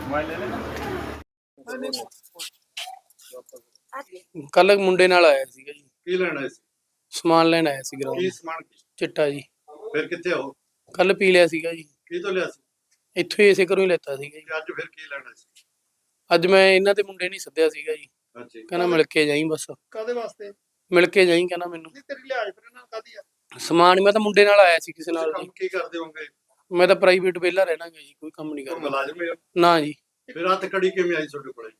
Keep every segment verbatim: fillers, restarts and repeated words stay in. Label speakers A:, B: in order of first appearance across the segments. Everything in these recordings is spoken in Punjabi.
A: ਕੱਲ ਮੁੰਡੇ ਨਾਲ ਆਇਆ ਸੀਗਾ ਜੀ।
B: ਕੀ ਲੈਣ ਆਏ ਸੀ?
A: ਸਮਾਨ ਲੈਣ ਆਇਆ ਸੀ ਗਰਾਊਂਡ।
B: ਕੀ ਸਮਾਨ?
A: ਚਿੱਟਾ ਜੀ।
B: ਫਿਰ ਕਿੱਥੇ ਹੋ?
A: ਕੱਲ ਪੀ ਲਿਆ ਸੀਗਾ ਜੀ।
B: ਕੀ ਤੋਂ ਲਿਆ ਸੀ?
A: ਇੱਥੋਂ ਹੀ ਇਸੇ ਘਰੋਂ ਹੀ ਲੈਤਾ ਸੀਗਾ ਜੀ।
B: ਅੱਜ ਫਿਰ ਕੀ ਲੈਣਾ ਸੀ?
A: ਅੱਜ ਮੈਂ ਇਹਨਾਂ ਦੇ ਮੁੰਡੇ ਨਹੀਂ ਸੱਦਿਆ ਸੀਗਾ ਜੀ।
B: ਅੱਛਾ।
A: ਕਹਿੰਦਾ ਮਿਲ ਕੇ ਜਾਈਂ ਬਸ।
B: ਕਾਦੇ ਵਾਸਤੇ?
A: ਮਿਲ ਕੇ ਜਾਈਂ ਕਹਿੰਦਾ ਮੈਨੂੰ।
B: ਨਹੀਂ ਤੇਰੀ ਲਿਆਜ ਫਿਰ ਇਹਨਾਂ ਕਾਦੀ ਆ?
A: ਸਮਾਨ ਮੈਂ ਤਾਂ ਮੁੰਡੇ ਨਾਲ ਆਇਆ ਸੀ ਕਿਸੇ ਨਾਲ ਜੀ।
B: ਕੰਮ ਕੀ ਕਰਦੇ ਹੋਗੇ?
A: ਮੈਂ ਤਾਂ ਪ੍ਰਾਈਵੇਟ ਵਿਹਲਾ ਰਹਿਣਾਗਾ ਜੀ, ਕੋਈ ਕੰਮ ਨਹੀਂ
B: ਕੋਈ
A: ਕਰਦਾ।
B: ਮੁਲਾਜ਼ਮ ਹੈ?
A: ਨਾ ਜੀ।
B: ਫਿਰ ਹੱਥ ਕੜੀ ਕਿਵੇਂ ਆਈ ਤੁਹਾਡੇ ਕੋਲੇ?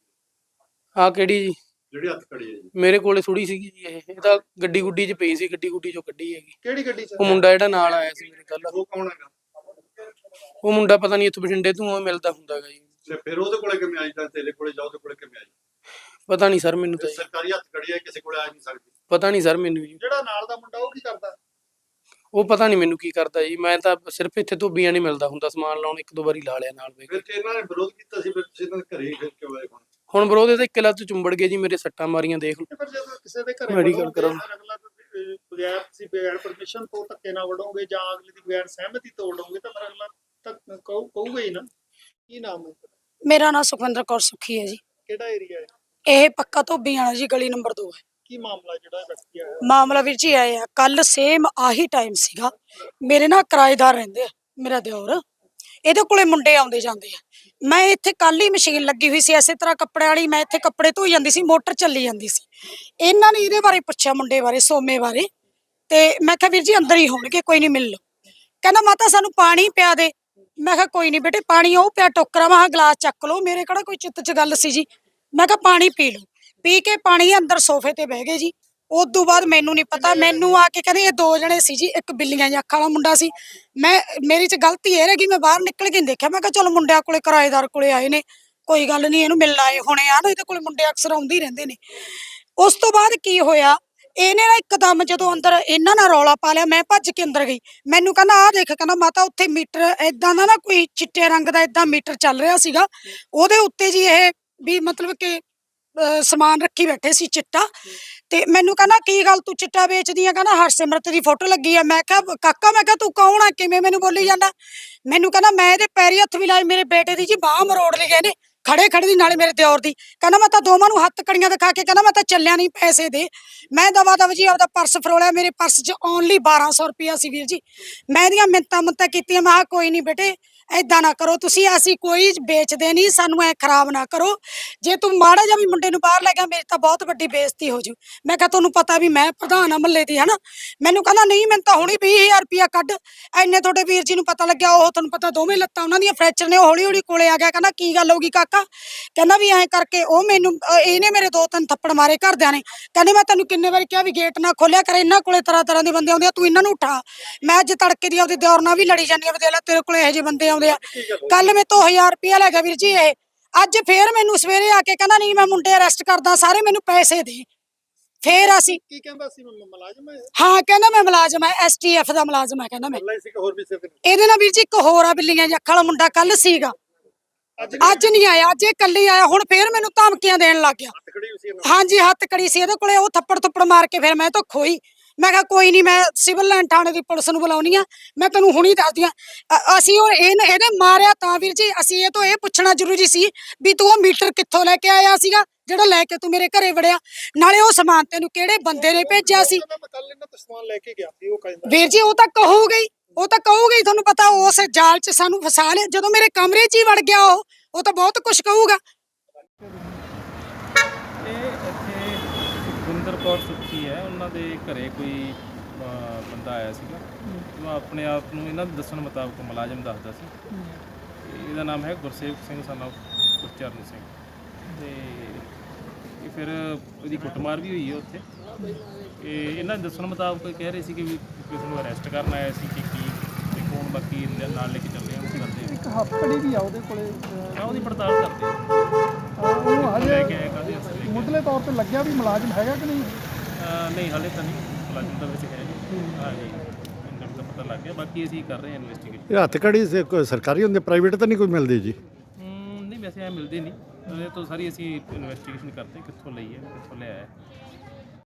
A: ਆਹ ਕਿਹੜੀ ਜੀ?
B: ਜਿਹੜੀ ਹੱਥ ਕੜੀ ਹੈ ਜੀ।
A: ਮੇਰੇ ਕੋਲੇ ਥੋੜੀ ਸੀਗੀ ਜੀ ਇਹ ਇਹ ਤਾਂ ਗੱਡੀ ਗੁੱਡੀ 'ਚ ਪਈ ਸੀ, ਗੱਡੀ ਗੁੱਡੀ 'ਚੋਂ ਕੱਢੀ ਹੈਗੀ।
B: ਕਿਹੜੀ ਗੱਡੀ 'ਚ?
A: ਉਹ ਮੁੰਡਾ ਜਿਹੜਾ ਨਾਲ ਆਇਆ ਸੀ ਮੇਰੇ ਕੱਲ,
B: ਉਹ ਕੌਣ ਹੈਗਾ?
A: ਉਹ ਮੁੰਡਾ ਪਤਾ ਨਹੀਂ ਇੱਥੋਂ ਬਠਿੰਡੇ ਤੋਂ ਉਹ ਮਿਲਦਾ ਹੁੰਦਾਗਾ ਜੀ।
B: ਤੇ ਫਿਰ ਉਹਦੇ ਕੋਲੇ ਕਿਵੇਂ ਆਈ ਤਾਂ ਤੇਰੇ ਕੋਲੇ ਜਾਓ, ਉਹਦੇ ਕੋਲੇ ਕਿਵੇਂ ਆਈ?
A: ਪਤਾ ਨਹੀਂ ਸਰ ਮੈਨੂੰ ਤਾਂ।
B: ਸਰਕਾਰੀ ਹੱਥ ਕੜੀ ਹੈ, ਕਿਸੇ ਕੋਲੇ ਆ ਨਹੀਂ ਸਕਦੀ।
A: ਪਤਾ ਨਹੀਂ ਸਰ ਮੈਨੂੰ ਜੀ।
B: ਜਿਹੜਾ ਨਾਲ ਦਾ ਮੁੰਡਾ ਉਹ ਕੀ ਕਰਦਾ?
A: ਉਹ ਪਤਾ ਨਹੀਂ ਮੈਨੂੰ ਕੀ ਕਰਦਾ ਜੀ। ਮੈਂ ਤਾਂ ਸਿਰਫ ਇੱਥੇ ਧੋਬੀਆਂ ਨਹੀਂ ਮਿਲਦਾ ਹੁੰਦਾ ਸਮਾਨ ਲਾਉਣ, ਇੱਕ ਦੋ ਵਾਰੀ ਲਾ ਲਿਆ ਨਾਲ।
B: ਫਿਰ ਤੇ ਇਹਨਾਂ ਨੇ ਵਿਰੋਧ ਕੀਤਾ ਸੀ, ਫਿਰ ਤੁਸੀਂ ਇਹਨਾਂ ਦੇ ਘਰੇ ਹੀ ਫਿਰ ਕਿਉਂ ਆਏ? ਹੁਣ
A: ਹੁਣ ਵਿਰੋਧ ਇਹਦਾ ਇੱਕ ਲੱਤ ਚੁੰਬੜ ਗਏ ਜੀ, ਮੇਰੇ ਸੱਟਾਂ ਮਾਰੀਆਂ ਦੇਖ ਲਓ।
B: ਫਿਰ ਜਦੋਂ ਕਿਸੇ ਦੇ ਘਰੇ
A: ਮੈਡੀਕਲ ਕਰਾਉਣ
B: ਅਗਲਾ ਬਗੈਰ ਤੁਸੀਂ ਬਗੈਰ ਪਰਮਿਸ਼ਨ ਤੋਂ ਧੱਕੇ ਨਾਲ ਵੜੋਗੇ ਜਾਂ ਅਗਲੇ ਦੀ ਬਗੈਰ ਸਹਿਮਤੀ ਤੋਂ ਵੜੋਗੇ ਤਾਂ ਫਿਰ ਅਗਲਾ ਤਾਂ ਕਹੂਗਾ ਹੀ ਨਾ। ਕੀ ਨਾਮ ਹੈ?
C: ਮੇਰਾ ਨਾਮ ਸੁਖਵਿੰਦਰ ਕੌਰ ਸੁੱਖੀ ਹੈ ਜੀ।
B: ਕਿਹੜਾ ਏਰੀਆ ਹੈ
C: ਇਹ? ਪੱਕਾ ਧੋਬੀਆਂ ਵਾਲਾ ਜੀ, ਗਲੀ ਨੰਬਰ ਦੋ ਹੈ।
B: ਕੀ ਮਾਮਲਾ ਜਿਹੜਾ ਵਿਅਕਤੀ ਆਇਆ?
C: ਮਾਮਲਾ ਵੀਰ ਜੀ ਆਏ ਆ ਕੱਲ ਸੇਮ ਆਹੀ ਟਾਈਮ ਸੀਗਾ। ਮੇਰੇ ਨਾਲ ਕਿਰਾਏਦਾਰ ਰਹਿੰਦੇ ਆ, ਮੇਰਾ ਦਿਓਰ। ਇਹਦੇ ਕੋਲੇ ਮੁੰਡੇ ਆਉਂਦੇ ਜਾਂਦੇ ਆ। ਮੈਂ ਇੱਥੇ ਕੱਲ ਹੀ ਮਸ਼ੀਨ ਲੱਗੀ ਹੋਈ ਸੀ ਇਸੇ ਤਰ੍ਹਾਂ ਕੱਪੜੇ ਵਾਲੀ, ਮੈਂ ਇੱਥੇ ਕੱਪੜੇ ਧੋਈ ਜਾਂਦੀ ਸੀ, ਮੋਟਰ ਚੱਲੀ ਜਾਂਦੀ ਸੀ। ਇਹਨਾਂ ਨੇ ਇਹਦੇ ਬਾਰੇ ਪੁੱਛਿਆ, ਮੁੰਡੇ ਬਾਰੇ, ਸੋਮੇ ਬਾਰੇ। ਤੇ ਮੈਂ ਕਿਹਾ ਵੀਰ ਜੀ ਅੰਦਰ ਹੀ ਹੋਣਗੇ, ਕੋਈ ਨਹੀਂ, ਮਿਲ ਲਓ। ਕਹਿੰਦਾ ਮਾਤਾ ਸਾਨੂੰ ਪਾਣੀ ਪਿਆ ਦੇ। ਮੈਂ ਕਿਹਾ ਕੋਈ ਨਹੀਂ ਬੇਟੇ, ਪਾਣੀ ਉਹ ਪਿਆ ਟੋਕਰਾ, ਮੈਂ ਕਿਹਾ ਗਲਾਸ ਚੱਕ ਲਓ। ਮੇਰੇ ਕਿਹੜਾ ਕੋਈ ਚਿੱਤ 'ਚ ਗੱਲ ਸੀ ਜੀ। ਮੈਂ ਕਿਹਾ ਪਾਣੀ ਪੀ ਲਓ। ਪੀ ਕੇ ਪਾਣੀ ਅੰਦਰ ਸੋਫੇ ਤੇ ਬਹਿ ਗਏ ਜੀ। ਉਸ ਤੋਂ ਬਾਅਦ ਮੈਨੂੰ ਨਹੀਂ ਪਤਾ, ਮੈਨੂੰ ਆ ਕੇ ਕਹਿੰਦੇ ਇਹ ਦੋ ਜਣੇ ਸੀ ਜੀ, ਇੱਕ ਬਿੱਲੀਆਂ ਜਿਹੀ ਅੱਖਾਂ ਵਾਲਾ ਮੁੰਡਾ ਸੀ। ਮੈਂ ਮੇਰੀ 'ਚ ਗਲਤੀ ਇਹ ਰਹਿ ਗਈ, ਮੈਂ ਬਾਹਰ ਨਿਕਲ ਕੇ ਦੇਖਿਆ। ਮੈਂ ਕਿਹਾ ਚਲੋ ਮੁੰਡਿਆਂ ਕੋਲੇ ਕਿਰਾਏਦਾਰ ਕੋਲੇ ਆਏ ਨੇ, ਕੋਈ ਗੱਲ ਨਹੀਂ, ਇਹਨੂੰ ਮਿਲਣ ਆਏ ਹੋਣੇ ਆ ਨਾ, ਇਹਦੇ ਕੋਲੇ ਮੁੰਡੇ ਅਕਸਰ ਆਉਂਦੇ ਹੀ ਰਹਿੰਦੇ ਨੇ। ਉਸ ਤੋਂ ਬਾਅਦ ਕੀ ਹੋਇਆ, ਇਹਨੇ ਨਾ ਇੱਕਦਮ ਜਦੋਂ ਅੰਦਰ ਇਹਨਾਂ ਨਾਲ ਰੌਲਾ ਪਾ ਲਿਆ, ਮੈਂ ਭੱਜ ਕੇ ਅੰਦਰ ਗਈ। ਮੈਨੂੰ ਕਹਿੰਦਾ ਆਹ ਦੇਖ, ਕਹਿੰਦਾ ਮਾਤਾ ਉੱਥੇ ਮੀਟਰ ਏਦਾਂ ਦਾ ਨਾ ਕੋਈ ਚਿੱਟੇ ਰੰਗ ਦਾ ਏਦਾਂ ਮੀਟਰ ਚੱਲ ਰਿਹਾ ਸੀਗਾ, ਉਹਦੇ ਉੱਤੇ ਜੀ ਇਹ ਵੀ ਮਤਲਬ ਕਿ ਸਮਾਨ ਰੱਖੀ ਬੈਠੇ ਸੀ ਚਿੱਟਾ। ਤੇ ਮੈਨੂੰ ਕਹਿੰਦਾ ਕੀ ਗੱਲ ਤੂੰ ਚਿੱਟਾ ਵੇਚਦੀ ਆ? ਕਹਿੰਦਾ ਹਰਸਿਮਰਤ ਦੀ ਫੋਟੋ ਲੱਗੀ ਆ। ਮੈਂ ਕਿਹਾ ਕਾਕਾ, ਮੈਂ ਕਿਹਾ ਤੂੰ ਕੌਣ ਆ, ਕਿਵੇਂ ਮੈਨੂੰ ਬੋਲੀ ਜਾਂਦਾ? ਮੈਨੂੰ ਕਹਿੰਦਾ ਮੈਂ ਇਹਦੇ ਪੈਰੀ ਹੱਥ ਵੀ ਲਾਏ, ਮੇਰੇ ਬੇਟੇ ਦੀ ਜੀ ਬਾਹ ਮਰੋੜ ਲਈ ਗਏ ਨੇ ਖੜੇ ਖੜੇ ਦੀ, ਨਾਲੇ ਮੇਰੇ ਦਿਓਰ ਦੀ। ਕਹਿੰਦਾ ਮੈਂ ਤਾਂ ਦੋਵਾਂ ਨੂੰ ਹੱਥ ਕੜੀਆਂ ਦਿਖਾ ਕੇ ਕਹਿੰਦਾ ਮੈਂ ਤਾਂ ਚੱਲਿਆ ਨਹੀਂ, ਪੈਸੇ ਦੇ। ਮੈਂ ਦਵਾ ਦਵ ਜੀ ਆਪਦਾ ਪਰਸ ਫਰੋਲਿਆ, ਮੇਰੇ ਪਰਸ 'ਚ ਓਨਲੀ ਬਾਰਾਂ ਸੌ ਰੁਪਇਆ ਸੀ ਵੀਰ ਜੀ। ਮੈਂ ਇਹਦੀਆਂ ਮਿੰਤਾਂ ਮੁੰਤਾਂ ਕੀਤੀਆਂ, ਮੈਂ ਕਿਹਾ ਕੋਈ ਨਹੀਂ ਬੇਟੇ ਏਦਾਂ ਨਾ ਕਰੋ ਤੁਸੀਂ, ਅਸੀਂ ਕੋਈ ਵੇਚਦੇ ਨਹੀਂ, ਸਾਨੂੰ ਐ ਖਰਾਬ ਨਾ ਕਰੋ। ਜੇ ਤੂੰ ਮਾੜਾ ਜਿਹਾ ਵੀ ਮੁੰਡੇ ਨੂੰ ਬਾਹਰ ਲੈ ਗਿਆ, ਮੇਰੀ ਤਾਂ ਬਹੁਤ ਵੱਡੀ ਬੇਇੱਜ਼ਤੀ ਹੋ ਜੂ। ਮੈਂ ਕਿਹਾ ਤੁਹਾਨੂੰ ਪਤਾ ਵੀ ਮੈਂ ਪ੍ਰਧਾਨ ਆ ਮਹੱਲੇ ਦੀ, ਹਨਾ। ਮੈਨੂੰ ਕਹਿੰਦਾ ਨਹੀਂ, ਮੈਨੂੰ ਤਾਂ ਹੁਣੀ ਵੀਹ ਹਜ਼ਾਰ ਰੁਪਇਆ ਕੱਢ। ਐਨੇ ਤੁਹਾਡੇ ਵੀਰ ਜੀ ਨੂੰ ਪਤਾ ਲੱਗਿਆ, ਉਹ ਤੁਹਾਨੂੰ ਪਤਾ ਦੋਵੇਂ ਲੱਤਾਂ ਉਹਨਾਂ ਦੀਆਂ ਫ੍ਰੈਕਚਰ ਨੇ। ਉਹ ਹੌਲੀ ਹੌਲੀ ਕੋਲੇ ਆ ਗਿਆ, ਕਹਿੰਦਾ ਕੀ ਗੱਲ ਹੋ ਗਈ ਕਾਕਾ? ਕਹਿੰਦਾ ਵੀ ਐਂ ਕਰਕੇ ਉਹ ਮੈਨੂੰ ਇਹਨੇ ਮੇਰੇ ਦੋ ਤਿੰਨ ਥੱਪੜ ਮਾਰੇ ਘਰਦਿਆਂ ਨੇ। ਕਹਿੰਦੇ ਮੈਂ ਤੈਨੂੰ ਕਿੰਨੇ ਵਾਰੀ ਕਿਹਾ ਵੀ ਗੇਟ ਨਾ ਖੋਲਿਆ ਕਰ, ਇਹਨਾਂ ਕੋਲੇ ਤਰ੍ਹਾਂ ਤਰ੍ਹਾਂ ਦੇ ਬੰਦੇ ਆਉਂਦੇ ਆ, ਤੂੰ ਇਹਨਾਂ ਨੂੰ ਉਠਾ। ਮੈਂ ਅੱਜ ਤੜਕੇ ਦੀ ਆਪਦੇ ਦਿਓਰ ਨਾਲ ਵੀ ਲੜੀ ਜਾਂਦੀ ਆ, ਦੇਖ ਲੈ ਤੇਰੇ ਕੋਲੇ ਇਹੋ ਜਿਹੇ ਬੰਦੇ ਆਉਂਦੇ ਆ। ਕੱਲ ਮੇਰੇ ਤੋਂ ਹਜ਼ਾਰ ਰੁਪਇਆ ਲੈ ਗਿਆ ਵੀਰ ਜੀ ਇਹ। ਅੱਜ ਫੇਰ ਮੈਨੂੰ ਸਵੇਰੇ ਆ ਕੇ ਕਹਿੰਦਾ ਨਹੀਂ ਮੈਂ ਮੁੰਡੇ ਅਰੈਸਟ ਕਰਦਾ, ਸਾਰੇ ਮੈਨੂੰ ਪੈਸੇ ਦੇ। ਫੇਰ ਅਸੀਂ
B: ਕੀ ਕਹਿੰਦਾ ਸੀ? ਮੁਲਾਜ਼ਮ ਹੈ?
C: ਹਾਂ ਕਹਿੰਦਾ ਮੈਂ ਮੁਲਾਜ਼ਮ ਹੈ, ਐਸ ਟੀ ਐਫ ਦਾ ਮੁਲਾਜ਼ਮ ਹੈ। ਕਹਿੰਦਾ ਮੈਂ
B: ਹੋਰ ਵੀ
C: ਇਹਦੇ ਨਾਲ ਵੀਰ ਜੀ ਇੱਕ ਹੋਰ ਆ ਬਿੱਲੀਆਂ ਜਿਹੀ ਅੱਖਾਂ ਵਾਲਾ ਮੁੰਡਾ, ਕੱਲ ਸੀਗਾ, ਅੱਜ ਨਹੀਂ ਆਇਆ, ਅੱਜ ਇਹ ਕੱਲੀ ਆਇਆ। ਹੁਣ ਫੇਰ ਮੈਨੂੰ ਧਮਕੀਆਂ ਦੇਣ ਲੱਗ ਗਿਆ। ਹਾਂਜੀ ਹੱਥ ਕੜੀ ਸੀ ਇਹਦੇ ਕੋਲੇ, ਉਹ ਥੱਪੜ ਥੱਪੜ ਮਾਰ ਕੇ ਫਿਰ ਮੈਂ ਤਾਂ ਖੋਈ। ਮੈਂ ਕਿਹਾ ਕੋਈ ਨਹੀਂ, ਮੈਂ ਸਿਵਲ ਲਾਈਨ ਥਾਣੇ ਦੀ ਪੁਲਿਸ ਨੂੰ ਬੁਲਾਉਣੀ ਆ, ਮੈਂ ਤੈਨੂੰ ਹੁਣੀ ਦੱਸਦੀ ਆ। ਅਸੀਂ ਉਹ ਇਹਨੇ ਮਾਰਿਆ ਤਾਂ ਵੀਰ ਜੀ, ਅਸੀਂ ਇਹ ਤੋਂ ਇਹ ਪੁੱਛਣਾ ਜ਼ਰੂਰੀ ਸੀ ਵੀ ਤੂੰ ਉਹ ਮੀਟਰ ਕਿੱਥੋਂ ਲੈ ਕੇ ਆਇਆ ਸੀਗਾ ਜਿਹੜਾ ਲੈ ਕੇ ਤੂੰ ਮੇਰੇ ਘਰੇ ਵੜਿਆ, ਨਾਲੇ ਉਹ ਸਮਾਨ ਤੈਨੂੰ ਕਿਹੜੇ ਬੰਦੇ ਨੇ ਭੇਜਿਆ ਸੀ? ਵੀਰ ਜੀ ਉਹ ਤਾਂ ਕਹੂਗਾ ਹੀ, ਉਹ ਤਾਂ ਕਹੂਗਾ ਹੀ, ਤੁਹਾਨੂੰ ਪਤਾ ਉਸ ਜਾਲ 'ਚ ਸਾਨੂੰ ਫਸਾ ਲਿਆ। ਜਦੋਂ ਮੇਰੇ ਕਮਰੇ 'ਚ ਹੀ ਵੜ ਗਿਆ ਉਹ ਉਹ ਤਾਂ ਬਹੁਤ ਕੁਝ ਕਹੂਗਾ।
D: ਸੁਖਵਿੰਦਰ ਕੌਰ ਸੁੱਖੀ ਹੈ, ਉਹਨਾਂ ਦੇ ਘਰੇ ਕੋਈ ਬੰਦਾ ਆਇਆ ਸੀਗਾ। ਉਹ ਆਪਣੇ ਆਪ ਨੂੰ ਇਹਨਾਂ ਦੇ ਦੱਸਣ ਮੁਤਾਬਕ ਮੁਲਾਜ਼ਮ ਦੱਸਦਾ ਸੀ। ਇਹਦਾ ਨਾਮ ਹੈ ਗੁਰਸੇਵਕ ਸਿੰਘ ਸਨ ਆਫ ਗੁਰਚਰਨ ਸਿੰਘ। ਅਤੇ ਇਹ ਫਿਰ ਉਹਦੀ ਕੁੱਟਮਾਰ ਵੀ ਹੋਈ ਹੈ ਉੱਥੇ। ਇਹ ਇਹਨਾਂ ਦੇ ਦੱਸਣ ਮੁਤਾਬਕ ਕਹਿ ਰਹੇ ਸੀ ਕਿ ਵੀ ਕਿਸੇ ਨੂੰ ਅਰੈਸਟ ਕਰਨ ਆਇਆ ਸੀ ਕਿ ਕੀ ਤੇ ਕੌਣ, ਬਾਕੀ ਨਾਲ ਲੈ ਕੇ ਚੱਲੇ ਆ ਉਸ ਕਰਦੇ।
E: ਇੱਕ ਹੱਥਕੜੀ ਵੀ ਆ ਉਹਦੇ ਕੋਲੇ,
D: ਹਾਂ ਉਹਦੀ ਪੜਤਾਲ ਕਰਦੇ
E: ਉਹ ਹਜੇ
D: ਕਾਹਦੇ
E: ਮੁੱਢਲੇ ਤੌਰ ਤੇ ਲੱਗਿਆ ਵੀ ਮੁਲਾਜ਼ਮ ਹੈਗਾ ਕਿ ਨਹੀਂ?
D: ਨਹੀਂ ਹਾਲੇ ਤਾਂ ਨਹੀਂ, ਮੁਲਾਜ਼ਮ ਦਾ ਵਿੱਚ ਹੈ ਜੀ। ਹਾਂ ਜੀ ਮੈਨੂੰ ਤਾਂ ਪਤਾ ਲੱਗ ਗਿਆ, ਬਾਕੀ ਅਸੀਂ ਕਰ ਰਹੇ ਹਾਂ ਇਨਵੈਸਟੀਗੇਸ਼ਨ।
B: ਇਹ ਹੱਥ ਕੜੀ ਸਰਕਾਰੀ ਹੁੰਦੇ, ਪ੍ਰਾਈਵੇਟ ਤਾਂ ਨਹੀਂ ਕੋਈ ਮਿਲਦੀ ਜੀ?
D: ਨਹੀਂ ਵੈਸੇ ਐ ਮਿਲਦੇ ਨਹੀਂ, ਇਹ ਤੋਂ ਸਾਰੀ ਅਸੀਂ ਇਨਵੈਸਟੀਗੇਸ਼ਨ ਕਰਦੇ ਕਿੱਥੋਂ ਲਈ ਹੈ, ਕਿੱਥੋਂ ਲਿਆ ਹੈ।